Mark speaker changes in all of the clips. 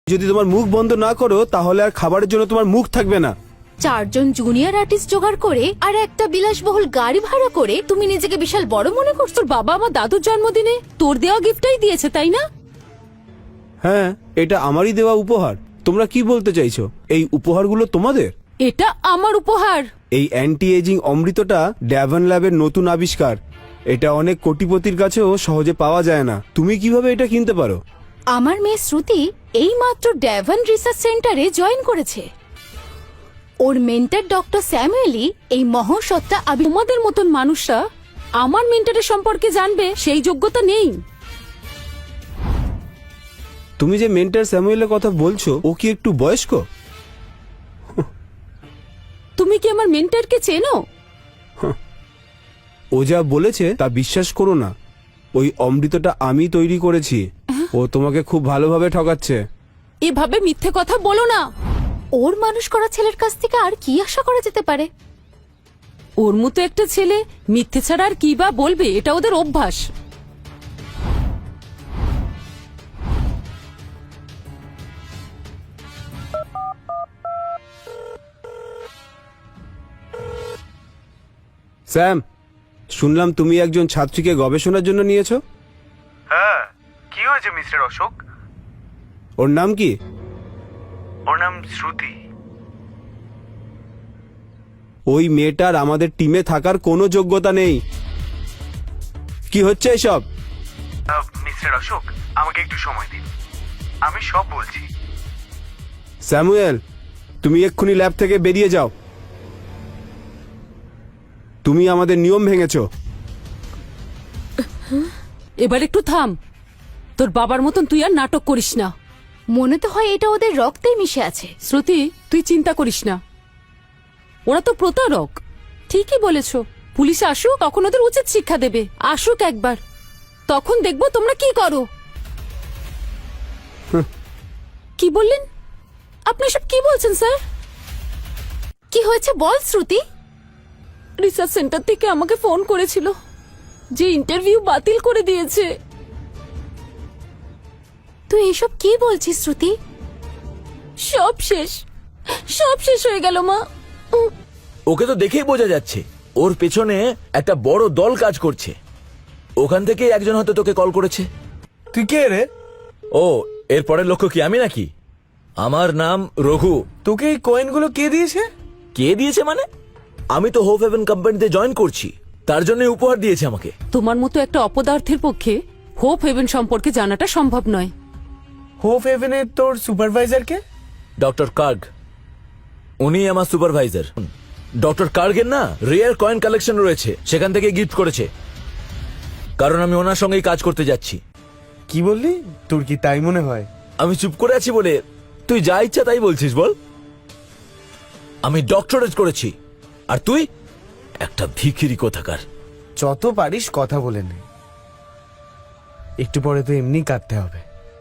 Speaker 1: যদি তোমার মুখ বন্ধ না করো তাহলে আর খাবারের জন্য তোমার মুখ থাকবে না।
Speaker 2: 4 জন জুনিয়র আর্টিস্ট জোগাড় করে আর একটা বিলাসবহুল গাড়ি ভাড়া করে তুমি নিজেকে বিশাল বড় মনে করছো।
Speaker 3: তোর বাবা আমার দাদুর জন্মদিনে তোর দেওয়া গিফটটাই দিয়েছে, তাই না?
Speaker 1: হ্যাঁ, এটা আমারই দেওয়া উপহার। তোমরা কি বলতে চাইছো? এই উপহারগুলো তোমাদের?
Speaker 3: এটা আমার উপহার।
Speaker 1: এই অ্যান্টি এজিং অমৃতটা ড্যাভন ল্যাবের নতুন আবিষ্কার। এটা অনেক কোটিপতির কাছেও সহজে পাওয়া যায় না। তুমি কিভাবে এটা কিনতে পারো?
Speaker 2: আমার মেয়ে শ্রুতি এইমাত্র ড্যাভন রিসার্চ সেন্টারে জয়েন করেছে। ওর মেন্টর ডক্টর স্যামুয়েলি এই মহাসত্তা
Speaker 3: তোমাদের মতন মানুষরা আমার মেন্টরের সম্পর্কে জানবে সেই যোগ্যতা নেই।
Speaker 1: তুমি যে মেন্টর স্যামুয়েলের কথা বলছো, ও কি একটু বয়স্ক?
Speaker 3: তুমি কি আমার মেন্টরকে চেনো?
Speaker 1: ও যা বলেছে তা বিশ্বাস করো না। ওই অমৃতটা আমি তৈরি করেছি। ও তোমাকে খুব ভালোভাবে ঠকাচ্ছে।
Speaker 3: এভাবে মিথ্যে কথা বলো না।
Speaker 2: ওর মানুষ করা ছেলের কাছ থেকে আর কি আশা করা যেতে পারে?
Speaker 3: ওর মতো একটা ছেলে মিথ্যে ছাড়া আর কি বা বলবে, এটা ওদের অভ্যাস।
Speaker 1: স্যাম, শুনলাম তুমি একজন ছাত্রীকে গবেষণার জন্য নিয়েছো।
Speaker 4: হ্যাঁ, কি হয়েছে মিস্টার অশোক?
Speaker 1: ওর নাম কি?
Speaker 4: ওর নাম শ্রুতি।
Speaker 1: ওই মেয়েটার আমাদের টিমে থাকার কোনো যোগ্যতা নেই। কি হচ্ছে এসব?
Speaker 4: মিস্টার অশোক, আমাকে একটু সময় দিন, আমি সব বলছি।
Speaker 1: স্যামুয়েল, তুমি এক্ষুনি ল্যাব থেকে বেরিয়ে যাও। তুমি আমাদের নিয়ম ভেঙেছো।
Speaker 3: এবার একটু থাম। তোর বাবার মতন তুই আর নাটক করিস না।
Speaker 2: মনে তো হয় এটা ওদের রক্তেই মিশে আছে।
Speaker 3: শ্রুতি, তুই চিন্তা করিস না। ওরা তো প্রতারক। ঠিকই বলেছ। পুলিশ আসুক, তখন ওদের উচিত শিক্ষা দেবে। আসুক একবার, তখন দেখবো তোমরা কি করো। কি বললেন আপনি? সব কি বলছেন স্যার?
Speaker 2: কি হয়েছে বল শ্রুতি।
Speaker 3: রিসার্চ সেন্টার থেকে আমাকে ফোন করেছিল যে ইন্টারভিউ বাতিল করে দিয়েছে।
Speaker 2: তুই এসব কি বলছিস শ্রুতি?
Speaker 3: সব শেষ, সব শেষ হয়ে গেল মা।
Speaker 5: ওকে তো দেখেই বোঝা যাচ্ছে ওর পেছনে একটা বড় দল কাজ করছে। ওখান থেকে একজন হয়তো তোকে কল করেছে।
Speaker 4: তুই কে রে?
Speaker 5: ও, এর পরের লক্ষ্য কি আমি নাকি? আমার নাম রঘু।
Speaker 4: তোকে এই কয়েনগুলো কে দিয়েছে?
Speaker 5: কে দিয়েছে মানে? আমি তো হোপ হেভেন কোম্পানিতে জয়েন করছি, তার জন্য উপহার দিয়েছে আমাকে।
Speaker 3: তোমার মতো একটা অপদার্থের পক্ষে হোপ হেভেন সম্পর্কে জানাটা সম্ভব নয়।
Speaker 4: হোপ হেভেনের তোর সুপারভাইজার কে?
Speaker 5: ডক্টর কার্গ, উনি আমার সুপারভাইজার। ডক্টর কার্গের না রেয়ার কয়েন কালেকশন রয়েছে, সেখান থেকে গিফট করেছে, কারণ আমি ওনার সঙ্গেই কাজ করতে যাচ্ছি।
Speaker 4: কি বললি? তোর কি তাই মনে হয়?
Speaker 5: আমি চুপ করে আছি বলে তুই যা ইচ্ছা তাই বলছিস বল। আমি ডক্টরেট করেছি, আর তুই একটা ভিখিরি কোথাকার।
Speaker 4: যত পারিস কথা বলে নে, একটু পরে তো এমনি কাটতে হবে।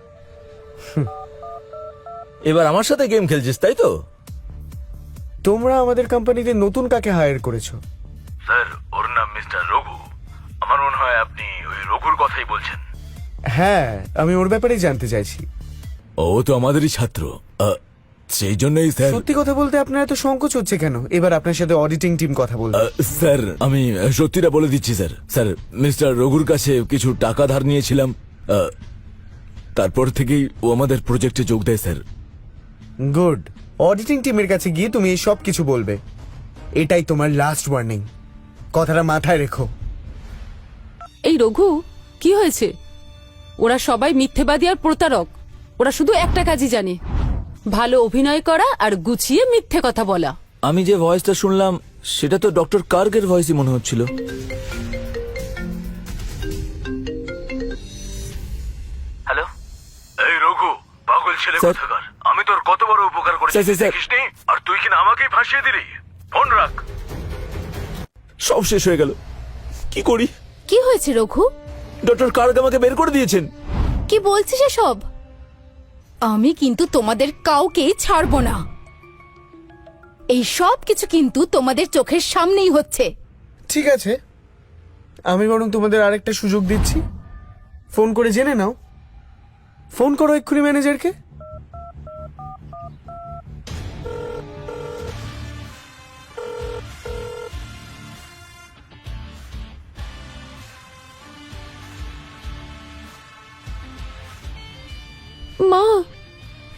Speaker 5: এবার আমার সাথে গেম খেলছিস তাই তো?
Speaker 4: তোমরা আমাদের কোম্পানিতে নতুন কাকে হায়ার করেছো?
Speaker 6: স্যার, ওর নাম মিস্টার রঘু। আমার মনে হয় আপনি ওই রঘুর কথাই বলছেন।
Speaker 4: হ্যাঁ, আমি ওর ব্যাপারেই জানতে চাইছি।
Speaker 5: ও তো আমাদেরই ছাত্র, সেই জন্যই স্যার।
Speaker 4: সত্যি কথা বলতে আপনার এত সংকোচ হচ্ছে কেন? এবার আপনার সাথে অডিটিং টিম কথা বলবে।
Speaker 5: স্যার, আমি সত্যিটা বলে দিচ্ছি স্যার। স্যার, মিস্টার রঘুর কাছে কিছু টাকা ধার নিয়েছিলাম, তারপর থেকেই ও আমাদের প্রজেক্টে যোগ দেয় স্যার।
Speaker 4: গুড। অডিটিং টিমের কাছে গিয়ে তুমি এই সব কিছু বলবে। এটাই তোমার লাস্ট ওয়ার্নিং, কথাটা মাথায় রেখো।
Speaker 3: এই রঘু, কি হয়েছে? ওরা সবাই মিথ্যেবাদী আর প্রতারক। ওরা শুধু একটা কাজই জানে, ভালো অভিনয় করা আর গুছিয়ে মিথ্যে কথা বলা।
Speaker 5: আমি যে ভয়েসটা শুনলাম সেটা তো ডক্টর কার্গের ভয়েসই মনে হচ্ছিল।
Speaker 6: হ্যালো, এই রঘু, পাগল ছেলে
Speaker 5: স্যার।
Speaker 6: কোথাকার। আমি তোর কত বড় উপকার করেছি
Speaker 5: স্যার, স্যার, স্যার।
Speaker 6: দেখিসনি? আর তুই কিনা আমাকেই ফাঁসিয়ে দিলি। ফোন রাখ।
Speaker 5: সব শেষ হয়ে গেল। কি করি?
Speaker 2: কি হয়েছে রঘু?
Speaker 5: ডক্টর কার্গ আমাকে বের করে দিয়েছেন।
Speaker 2: কি বলছিস এসব? আমি কিন্তু তোমাদের কাউকেই ছাড়বো না। এই সব কিছু কিন্তু তোমাদের চোখের সামনেই হচ্ছে।
Speaker 4: ঠিক আছে, আমি বরং তোমাদের আরেকটা সুযোগ দিচ্ছি। ফোন করে জেনে নাও। ফোন করো এক্ষুনি ম্যানেজারকে।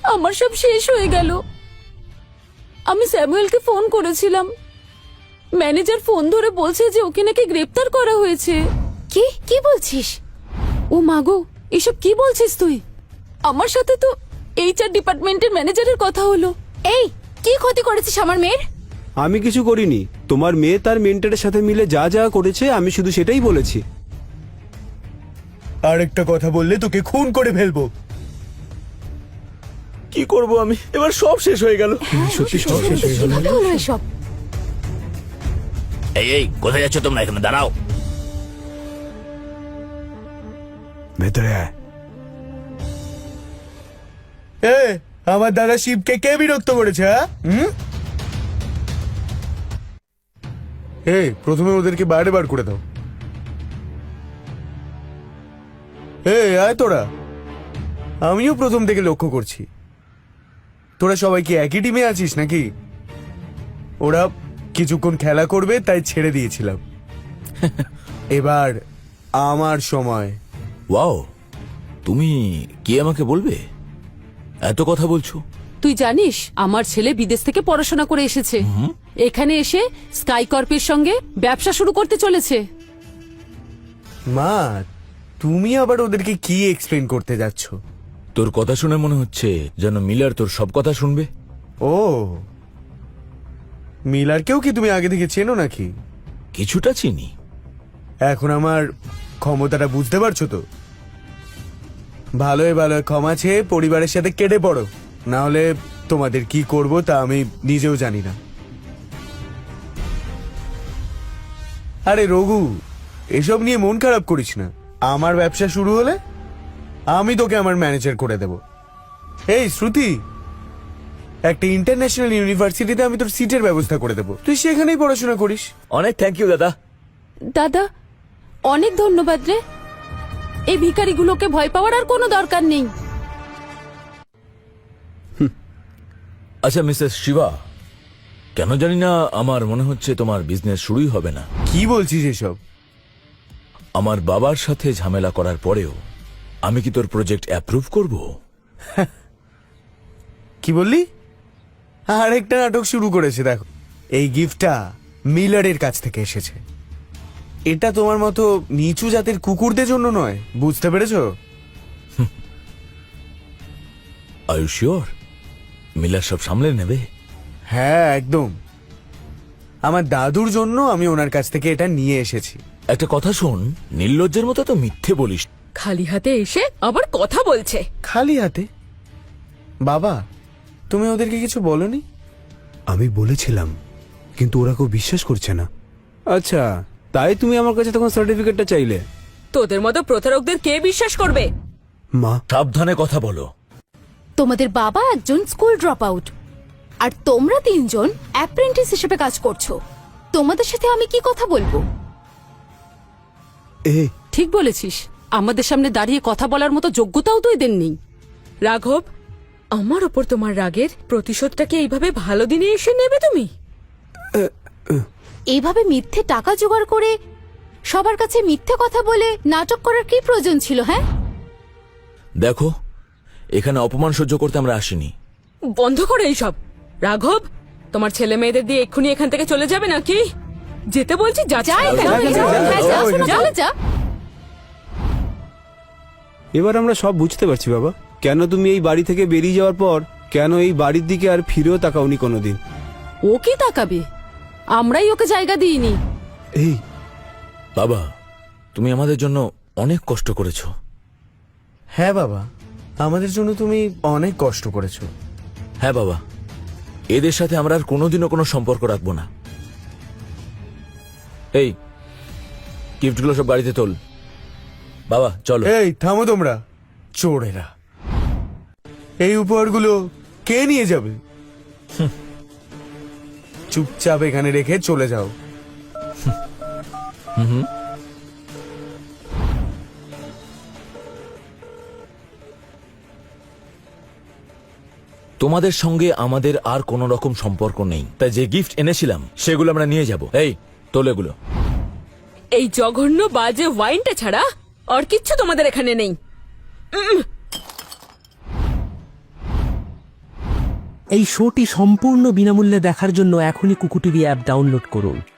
Speaker 3: আমার সব শেষ হয়ে গেল। আমি স্যামুয়েলকে ফোন করেছিলাম, ম্যানেজার ফোন ধরে বলছে যে ওকে নাকি গ্রেপ্তার করা হয়েছে।
Speaker 2: কি কি বলছিস?
Speaker 3: ও মাগো, এসব কি বলছিস তুই? আমার সাথে তো এইচআর ডিপার্টমেন্টের ম্যানেজারের কথা হলো।
Speaker 2: এই, কি ক্ষতি করেছিস আমার মেয়ের?
Speaker 1: আমি কিছু করিনি। তোমার মেয়ে তার মেন্টরের সাথে মিলে যা যা করেছে আমি শুধু সেটাই বলেছি।
Speaker 4: আরেকটা কথা বললে তোকে খুন করে ফেলবো।
Speaker 5: কি করব আমি? এবার সব শেষ হয়ে গেল।
Speaker 1: সত্যি সব শেষ হয়ে গেল।
Speaker 2: কিভাবে হলো এসব?
Speaker 6: এই কোথায় যাচ্ছ তোমরা? এখানে দাঁড়াও।
Speaker 1: ভেতরে আয়।
Speaker 4: এ, আমার দাদা শিবকে কে বিরক্ত করেছে? হ্যাঁ? প্রথমে ওদেরকে বাইরে বার করে দাও। আয় তোরা। আমিও প্রথম থেকে লক্ষ্য করছি তোরা সবাই কি একই টিমে আছিস নাকি? ওরা কিছুক্ষণ খেলা করবে তাই ছেড়ে দিয়েছিলাম। এবার আমার সময়।
Speaker 5: ওয়াও, তুমি কি আমাকে বলবে? এত কথা বলছো।
Speaker 3: তুই জানিস আমার ছেলে বিদেশ থেকে পড়াশোনা করে এসেছে, এখানে এসে স্কাই কর্পের সঙ্গে ব্যবসা শুরু করতে চলেছে।
Speaker 4: মা, তুমি আবার ওদেরকে কি এক্সপ্লেন করতে যাচ্ছ?
Speaker 5: তোর কথা শুনে মনে হচ্ছে যেন মিলার তোর সব কথা শুনবে।
Speaker 4: ও, মিলারকেও কি তুমি আগে থেকে চেনো নাকি?
Speaker 5: কিছুটা চিনি।
Speaker 4: এখন আমার ক্ষমতাটা বুঝতে পারছো তো? ভালোই ভালো ক্ষমা চেয়ে পরিবারের সাথে কেটে পড়ো, না হলে তোমাদের কি করব তা আমি নিজেও জানি না। আরে রঘু, এসব নিয়ে মন খারাপ করিস না। আমার ব্যবসা শুরু হলে আমি তোকে আমার ম্যানেজার করে দেব। এই শ্রুতি, একটা ইন্টারন্যাশনাল ইউনিভার্সিটিতে আমি তোর সিটের ব্যবস্থা করে দেবো, তুই সেখানেই পড়াশোনা করিস।
Speaker 5: অনেক থ্যাংক ইউ দাদা।
Speaker 3: দাদা, অনেক ধন্যবাদ রে। এই ভিখারিগুলোকে ভয় পাওয়ার আর কোনো দরকার নেই।
Speaker 5: আচ্ছা মিসেস শিবা, কেন জানি না আমার মনে হচ্ছে তোমার বিজনেস শুরুই হবে না।
Speaker 4: কি বলছিস এসব?
Speaker 5: আমার বাবার সাথে ঝামেলা করার পরেও আমি কি তোর প্রজেক্ট অ্যাপ্রুভ করব?
Speaker 4: কি বললি? আরেকটা নাটক শুরু করেছে দেখো। এই গিফটটা মিলারের কাছ থেকে এসেছে। এটা তোমার মতো নিচু জাতের কুকুরদের জন্য নয়, বুঝতে পেরেছো?
Speaker 5: আর ইউ শিওর মিলার সব সামলে নেবে?
Speaker 4: হ্যাঁ একদম। আমার দাদুর জন্য আমি ওনার কাছ থেকে এটা নিয়ে এসেছি।
Speaker 5: একটা কথা শোন, নির্লজ্জের মতো তো মিথ্যে বলিস।
Speaker 3: খালি হাতে এসে আবার কথা বলছে।
Speaker 4: খালি হাতে? বাবা, তুমি ওদেরকে কিছু বলনি?
Speaker 1: আমি বলেছিলাম, কিন্তু ওরা কেউ বিশ্বাস করছে না। আচ্ছা, তাই তুমি আমার কাছে তখন সার্টিফিকেটটা চাইলে?
Speaker 3: তোদের মতো প্রতারকদের কে বিশ্বাস করবে?
Speaker 1: মা,
Speaker 5: সাবধানে কথা বলো।
Speaker 2: তোমাদের বাবা একজন স্কুল ড্রপ আউট, আর তোমরা তিনজন অ্যাপ্রেন্টিস হিসেবে কাজ করছো। তোমাদের সাথে আমি কি কথা বলবো?
Speaker 3: ঠিক বলেছিস, আমাদের সামনে দাঁড়িয়ে কথা বলার মতো যোগ্যতাও তো এদের নেই। রাঘব, আমার ওপর তোমার রাগের প্রতিশোধটাকে এইভাবে ভালো দিনে এসে নেবে তুমি?
Speaker 2: এইভাবে মিথ্যে টাকা জোগাড় করে সবার কাছে মিথ্যে কথা বলে নাটক করার কি প্রয়োজন ছিল? হ্যাঁ,
Speaker 5: দেখো, এখানে অপমান সহ্য করতে আমরা আসিনি।
Speaker 3: বন্ধ করো এইসব। রাঘব, তোমার ছেলে মেয়েদের দিয়ে এক্ষুনি এখান থেকে চলে যাবে নাকি? যেতে বলছি, যা।
Speaker 2: যা এখান থেকে, যা, হ্যাঁ, যা, চলে যা।
Speaker 1: এবার আমরা সব বুঝতে পারছি বাবা, কেন তুমি এই বাড়ি থেকে বেরিয়ে যাওয়ার পর কেন এই বাড়ির দিকে আর ফিরেও তাকাওনি কোনোদিন।
Speaker 3: ও কি তাকাবে? আমরাই ওকে জায়গা দিইনি।
Speaker 1: এই
Speaker 5: বাবা, তুমি আমাদের জন্য অনেক কষ্ট করেছো।
Speaker 4: হ্যাঁ বাবা, আমাদের জন্য তুমি অনেক কষ্ট করেছো।
Speaker 5: হ্যাঁ বাবা, এদের সাথে আমরা আর কোনোদিনও কোনো সম্পর্ক রাখবো না। এই গিফটগুলো সব গাড়িতে তোল। বাবা চলো।
Speaker 4: এই থামো তোমরা, চোরেরা। এই উপহারগুলো কে নিয়ে যাবে? চুপচাপ এখানে রেখে চলে যাও।
Speaker 5: তোমাদের সঙ্গে আমাদের আর কোনো রকম সম্পর্ক নেই, তাই যে গিফট এনেছিলাম সেগুলো আমরা নিয়ে যাব। এই তোল এগুলো।
Speaker 3: এই জঘন্য বাজে ওয়াইনটা ছাড়া আর কিচ্ছু তোমাদের এখানে নেই।
Speaker 7: এই শোটি সম্পূর্ণ বিনামূল্যে দেখার জন্য এখনই কুকু টিভি অ্যাপ ডাউনলোড করুন।